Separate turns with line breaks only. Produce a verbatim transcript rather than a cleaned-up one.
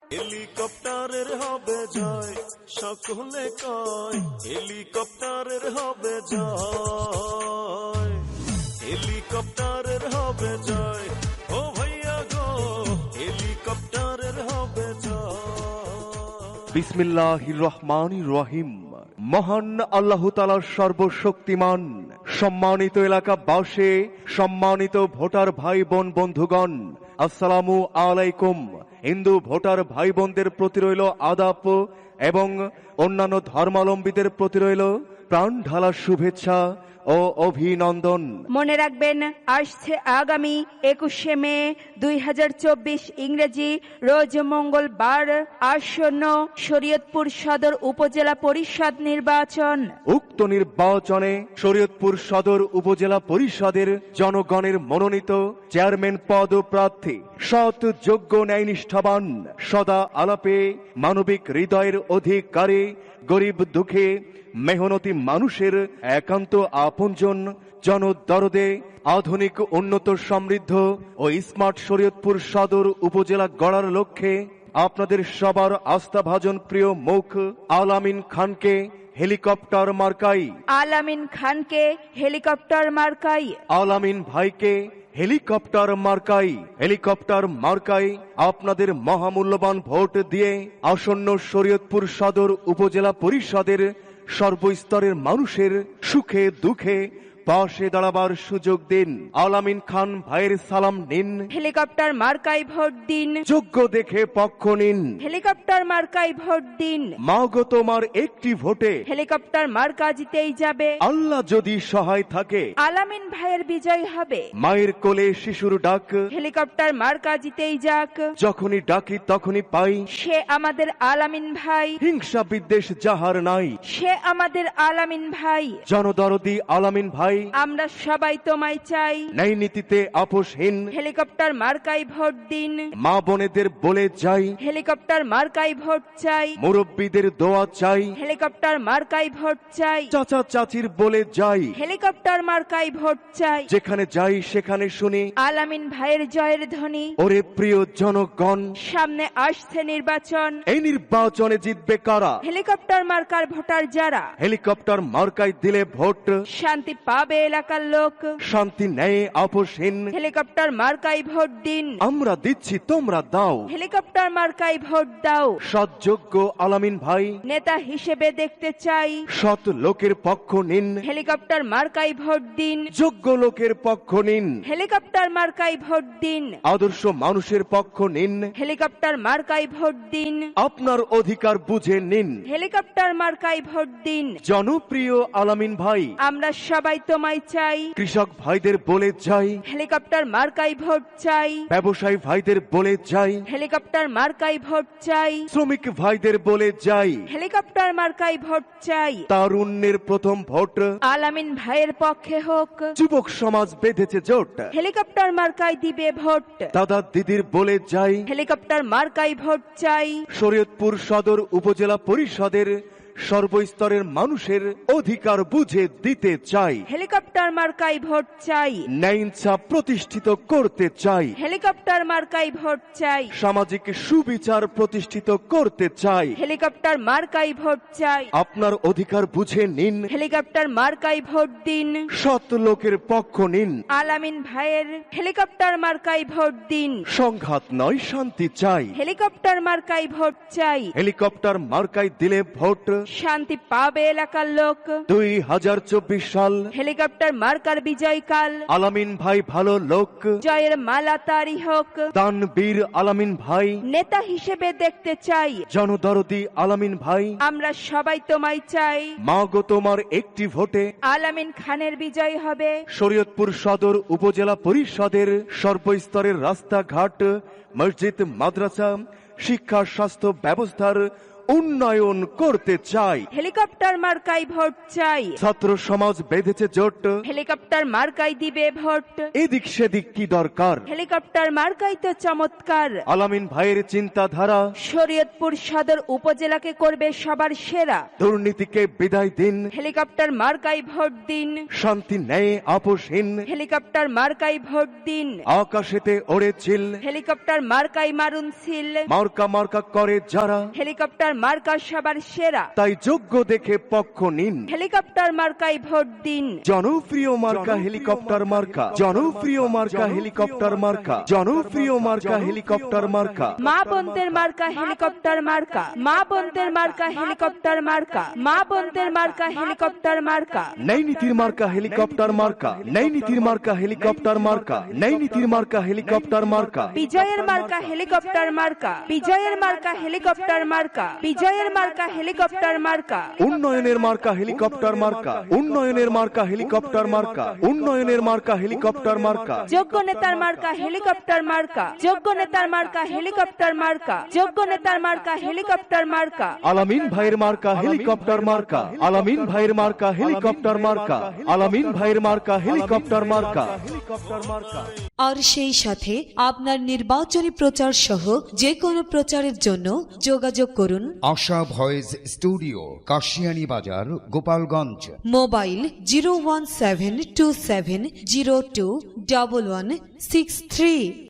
হেলিকপ্টারের হবে জয়, সকলে কয় হেলিকপ্টারের হবে জয়, হেলিকপ্টারের হবে জয়, ও ভাইয়া গো হেলিকপ্টারের হবে জয়।
বিসমিল্লাহির রহমানির রহিম। মহান আল্লাহ তাআলা সর্বশক্তিমান। সম্মানিত এলাকাবাসী, সম্মানিত ভোটার ভাই বোন বন্ধুগণ, আসসালামু আলাইকুম। হিন্দু ভোটার ভাই বোনদের প্রতি রইল আদাব এবং অন্যান্য ধর্মাবলম্বীদের প্রতি রইল প্রাণ ঢালা শুভেচ্ছা ও অভিনন্দন।
মনে রাখবেন, আসছে আগামী একুশে মে দুই হাজার চব্বিশ ইংরেজি রোজ মঙ্গলবার আসন্ন শরীয়তপুর সদর উপজেলা পরিষদ নির্বাচন।
উক্ত নির্বাচনে শরীয়তপুর সদর উপজেলা পরিষদের জনগণের মনোনীত চেয়ারম্যান পদ প্রার্থী সৎ, যোগ্য, ন্যায়নিষ্ঠাবান, সদা আলাপে মানবিক হৃদয়ের অধিকারী, গরিব দুঃখে মেহনতি মানুষের একান্ত আপনজন, জনদরদে আধুনিক, উন্নত, সমৃদ্ধ ও স্মার্ট শরীয়তপুর সদর উপজেলা গড়ার লক্ষ্যে আপনাদের সবার আস্থাভাজন প্রিয় মুখ আলামিন খানকে হেলিকপ্টার মার্কাই,
আলামিন খানকে হেলিকপ্টার মার্কাই,
আলামিন ভাইকে হেলিকপ্টার মার্কাই, হেলিকপ্টার মার্কাই আপনাদের মহামূল্যবান ভোট দিয়ে আসন্ন শরীয়তপুর সদর উপজেলা পরিষদের সর্বস্তরের মানুষের সুখে দুঃখে পাশে দাঁড়াবার সুযোগ দিন। আলামিন খান ভাইয়ের সালাম নিন,
হেলিকপ্টার মার্কাই ভোট দিন,
যোগ্য দেখে পক্ষ নিন।
হেলিকপ্টার মার্কাই ভোট দিন।
মাগো তোমার একটি ভোটে
হেলিকপ্টার মার্কা জিতেই যাবে।
আল্লাহ যদি সহায় থাকে
আলামিন ভাইয়ের বিজয় হবে।
মায়ের কোলে শিশুর ডাক
হেলিকপ্টার মার্কা জিতেই যাক।
যখনই ডাকি তখনই পাই,
সে আমাদের আলামিন ভাই,
হিংসা বিদ্বেষ যাহার নাই।
সে আমাদের আলামিন ভাই,
জনদরদি আলামিন ভাই,
আমরা সবাই তোমায় চাই।
ন্যায় নীতিতে আপোষহীন,
হেলিকপ্টার মার্কাই ভোট দিন।
মা বোনেদের বলে যাই,
হেলিকপ্টার মার্কাই ভোট চাই।
মুরব্বীদের দোয়া চাই,
হেলিকপ্টার মার্কাই ভোট চাই।
চাচা চাচির বলে যাই,
হেলিকপ্টার মার্কাই ভোট চাই।
যেখানে যাই সেখানে শুনি
আলামিন ভাইয়ের জয়ের ধ্বনি।
ওরে প্রিয় জনগণ,
সামনে আসছে নির্বাচন।
এই নির্বাচনে জিতবে কারা?
হেলিকপ্টার মার্কার ভোটার যারা।
হেলিকপ্টার মার্কায় দিলে ভোট
শান্তি পাবে এলাকার লোক।
শান্তি ন্যায় আপোষহীন।
হেলিকপ্টার মার্কাই ভোট দিন।
আমরা দিচ্ছি, তোমরা দাও।
হেলিকপ্টার মার্কাই ভোট দাও।
সৎ, যোগ্য আলামিন ভাই
নেতা হিসেবে দেখতে চাই।
সৎ লোকের পক্ষ নিন,
হেলিকপ্টার মার্কাই ভোট দিন।
যোগ্য লোকের পক্ষ নিন,
হেলিকপ্টার মার্কাই ভোট দিন।
আদর্শ মানুষের পক্ষ নিন,
হেলিকপ্টার মার্কাই ভোট দিন।
আপনার অধিকার বুঝে নিন।
হেলিকপ্টার মার্কাই ভোট দিন।
জনপ্রিয় আলামিন ভাই,
আমরা সবাই তোমায় চাই।
কৃষক ভাইদের বলে যাই,
হেলিকপ্টার মার্কাই ভোট চাই।
ব্যবসায়ী ভাইদের বলে যাই,
হেলিকপ্টার মার্কাই ভোট চাই।
শ্রমিক ভাইদের বলে যাই,
হেলিকপ্টার মার্কাই ভোট চাই।
তারুণ্যের প্রথম ভোট
আলামিন ভাইয়ের পক্ষে হোক।
যুবক সমাজ বেঁধেছে জোট,
হেলিকপ্টার মার্কাই দিবে ভোট।
দাদা দিদির বলে যাই,
হেলিকপ্টার মার্কাই ভোট চাই।
শরীয়তপুর সদর উপজেলা পরিষদের সর্বস্তরের মানুষের অধিকার বুঝে দিতে চাই।
হেলিকপ্টার মার্কাই ভোট চাই।
ন্যায় ইনসাফ প্রতিষ্ঠিত করতে চাই।
হেলিকপ্টার মার্কাই ভোট চাই।
সামাজিক সুবিচার প্রতিষ্ঠিত করতে চাই।
হেলিকপ্টার মার্কাই ভোট চাই।
আপনার অধিকার বুঝে নিন,
হেলিকপ্টার মার্কাই ভোট দিন।
সৎ লোকের পক্ষ নিন।
আলামিন ভাইয়ের হেলিকপ্টার মার্কাই ভোট দিন।
সংঘাত নয়, শান্তি চাই।
হেলিকপ্টার মার্কাই ভোট চাই।
হেলিকপ্টার মার্কায় দিলে ভোট
শান্তি পাবে এলাকার লোক।
দুই হাজার চব্বিশ সাল
হেলিকপ্টার মার্কার বিজয়কাল।
আলামিন ভাই ভালো লোক,
জয়ের মালা তারি হোক।
দানবীর আলামিন ভাই,
নেতা হিসেবে দেখতে চাই।
জনদরদি আলামিন ভাই,
আমরা সবাই তোমায় চাই।
মাগো তোমার একটি ভোটে
আলামিন খানের বিজয় হবে।
শরীয়তপুর সদর উপজেলা পরিষদের সর্বস্তরের রাস্তাঘাট, মসজিদ, মাদ্রাসা, শিক্ষা, স্বাস্থ্য ব্যবস্থার উন্নয়ন করতে চাই।
হেলিকপ্টার মার্কাই ভোট চাই।
ছাত্র সমাজ বেঁধেছে জোট,
হেলিকপ্টার মার্কাই দিবে ভোট।
এদিক সেদিক কি দরকার,
হেলিকপ্টার মার্কাই তো চমৎকার।
আলামিন ভাইয়ের চিন্তাধারা
শরীয়তপুর সদর উপজেলাকে করবে সবার সেরা।
দুর্নীতিকে বিদায় দিন,
হেলিকপ্টার মার্কাই ভোট দিন।
শান্তি নেই আপোষহীন,
হেলিকপ্টার মার্কাই ভোট দিন।
আকাশেতে ওড়ে চিল,
হেলিকপ্টার মার্কাই মারুন সিল।
মার্কা মার্কা করে যারা,
হেলিকপ্টার মার্কা সবার সেরা।
তাই যোগ্য দেখে পক্ষ নিন।
হেলিকপ্টার মার্কাই ভোট দিন।
জনপ্রিয় মার্কা হেলিকপ্টার মার্কা, জনপ্রিয় মার্কা হেলিকপ্টার মার্কা, জনপ্রিয় মার্কা হেলিকপ্টার মার্কা।
মা বোনদের মার্কা হেলিকপ্টার মার্কা। মা বোনদের মার্কা হেলিকপ্টার মার্কা। মা বোনদের মার্কা হেলিকপ্টার মার্কা।
নেই নীতির মার্কা হেলিকপ্টার মার্কা, নেই নীতির মার্কা হেলিকপ্টার মার্কা, নেই নীতির মার্কা হেলিকপ্টার মার্কা।
বিজয়ের মার্কা হেলিকপ্টার মার্কা। বিজয়ের মার্কা হেলিকপ্টার মার্কা। বিজয়ের মার্কা হেলিকপ্টার মার্কা।
উন্নয়নের মার্কা হেলিকপ্টার মার্কা, উন্নয়নের মার্কা হেলিকপ্টার মার্কা, উন্নয়নের মার্কা হেলিকপ্টার মার্কা।
যোগ্য নেতার মার্কা হেলিকপ্টার মার্কা। যোগ্য নেতার মার্কা হেলিকপ্টার মার্কা। যোগ্য নেতার মার্কা হেলিকপ্টার মার্কা।
আলামিন ভাইয়ের মার্কা হেলিকপ্টার মার্কা, আলামিন ভাইয়ের মার্কা হেলিকপ্টার মার্কা, আলামিন ভাইয়ের মার্কা হেলিকপ্টার মার্কা, হেলিকপ্টার মার্কা।
আর সেই সাথে আপনার নির্বাচনী প্রচার সহ যে কোনো প্রচারের জন্য যোগাযোগ করুন
আশা voice studio, Kashiani Bazar, Gopalganj.
Mobile zero one seven two seven zero two double one six three.